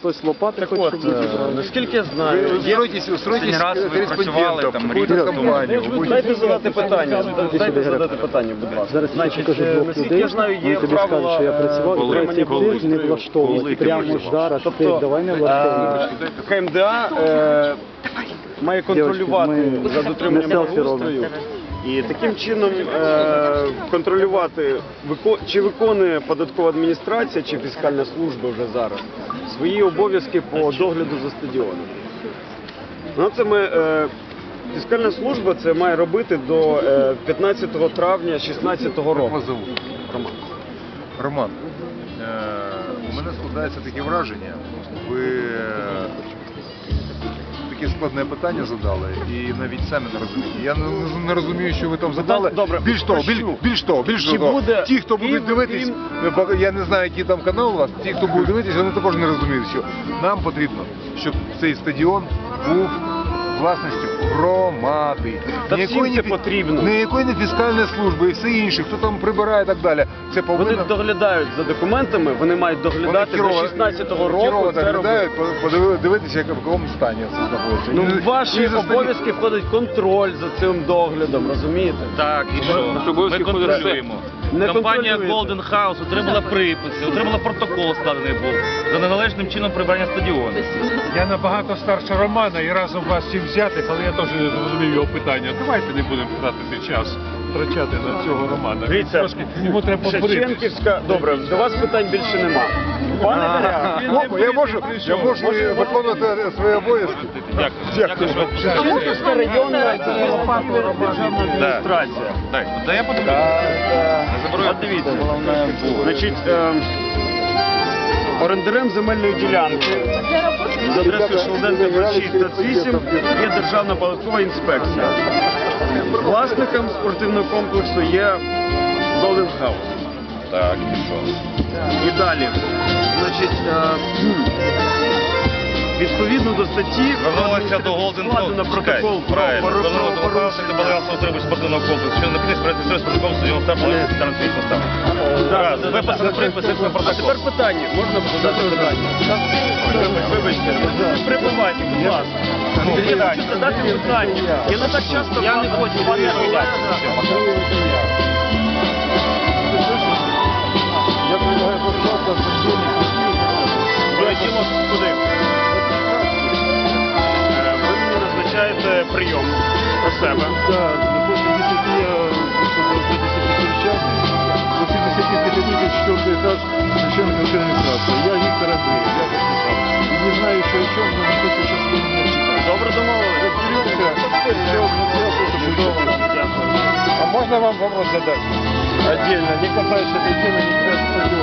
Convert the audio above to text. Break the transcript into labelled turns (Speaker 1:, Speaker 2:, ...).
Speaker 1: хтось лопати хоче, щоб ви зібрали.
Speaker 2: Наскільки я знаю,
Speaker 3: Устройтесь корреспондентом в какую-то компанию.
Speaker 2: дайте задати питання, будь ласка.
Speaker 1: Зараз я покажу двох
Speaker 2: наскільки
Speaker 1: людей,
Speaker 2: я знаю, є
Speaker 1: вони тобі скажуть,
Speaker 2: правила
Speaker 1: що я працював, і
Speaker 2: отримання
Speaker 1: третій тих не влаштовують. Прямо ж зараз, ти давай не влаштовуєш.
Speaker 2: КМДА має контролювати за дотриманням благоустрою і таким чином контролювати, чи виконує податкова адміністрація чи фіскальна служба вже зараз свої обов'язки по догляду за стадіоном. Ну, це фіскальна служба це має робити до 15 травня 2016 року.
Speaker 3: Вас зовут? Роман, у мене складається таке враження, ви таке складне питання задали і навіть самі не розумієте. Я не розумію, що ви там задали.
Speaker 2: Добре,
Speaker 3: Більш того, ті, хто будуть дивитись, я не знаю, який там канал у вас, ті, хто будуть дивитись, вони також не розуміють, що нам потрібно, щоб цей стадіон був власністю громади.
Speaker 2: Та всім це потрібно.
Speaker 3: Ніякої не фіскальної служби і все інше, хто там прибирає і так далі. Це
Speaker 2: Вони
Speaker 3: повинно...
Speaker 2: доглядають за документами, вони мають доглядати до 16-го року. Це
Speaker 3: доглядають, подивитися, в якому стані це знаходиться.
Speaker 2: Ну, в ваші обов'язки входить контроль за цим доглядом, розумієте?
Speaker 4: Так, і що? Ми контролюємо.
Speaker 2: Не
Speaker 4: Компанія
Speaker 2: контролюєте.
Speaker 4: Golden House отримала приписи, отримала протокол складений був за неналежним чином прибирання стадіону.
Speaker 5: Я набагато старше Романа і разом вас всім взяти, але я теж не зрозумів його питання. Давайте не будемо тратити час, втрачати на цього Романа.
Speaker 2: Дивіться,
Speaker 5: Трошки йому треба подборити.
Speaker 2: Шевченківська, добре, до вас питань більше нема. Пане Даря,
Speaker 3: Я можу виконувати свої обов'язки.
Speaker 4: Дякую.
Speaker 2: Шевченківська районна державна адміністрація.
Speaker 4: Та я подивлюсь.
Speaker 2: От дивіться, значить, орендарем земельної ділянки за адресою Шелуденка 26 28 є Державна податкова інспекція. Власником спортивного комплексу є Golden House.
Speaker 4: Так, і що?
Speaker 2: І далі, значить, відповідно до статті
Speaker 4: Вернулися до Golden
Speaker 2: складено
Speaker 4: House.
Speaker 2: протокол про
Speaker 4: Вернулися до Golden House,
Speaker 2: порушення.
Speaker 4: це балансу отримує спортивного комплексу. Що написано перед цим спортивного стадіону старту старанських поставок. Раз, виписали приписи, це
Speaker 2: А
Speaker 4: протокол.
Speaker 2: тепер питання, можна задати питання? Вибачте, прибувайте, будь ласка. Хочу задати питання. Я не так часто...
Speaker 4: Я не хочу,
Speaker 2: пане Олег.
Speaker 1: Я предлагаю початку з
Speaker 2: Полетіло куди? Ви мені назначаєте прийом про себе.
Speaker 1: Так, после 10 я до 10 учасников, после 10 категорий 4 этаж священной федеральной администрации. Я Виктор Андреев, я подписал. И не знаю еще о чем, но не хочу сейчас вспомнить читать.
Speaker 2: Добре домовились.
Speaker 3: А можна вам вопрос задати?
Speaker 1: Отдельно, не касаясь этой темы, не касаясь